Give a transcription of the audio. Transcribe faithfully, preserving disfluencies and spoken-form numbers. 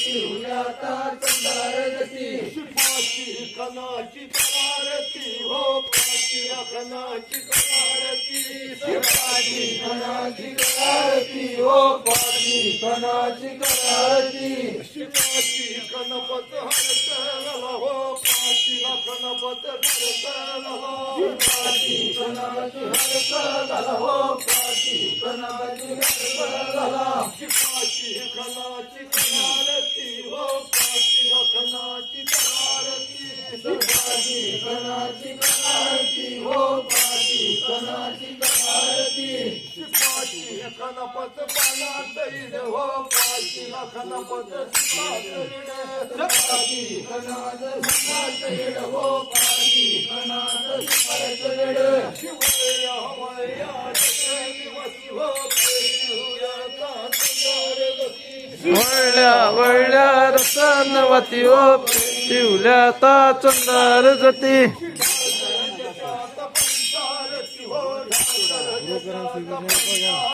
शिवल्याता चंदारती पाची कणाची करारती हो पाची कणाची करारती पाची कणाची करारती हो पाची कणाची करारती शिवाची गणपत हरतला हो पाची गणपत हरतला पाची कणाची हरतला हो पाची कणाची हरतला पाची कणाची करारती हो पाची कणाची करारती पाची कणाची करारती हो पाची कणाची करारती पाची गणपत पानात येईल हो पाची गणपत पाची कणाच सुपात येड हो पाची कणाच सुपात येड शिवया वया दिवसी हो शिवयाता चंदारती वळल्या वळल्या रतनवती ओ शिवल्याता चंदार जती पंचारती हो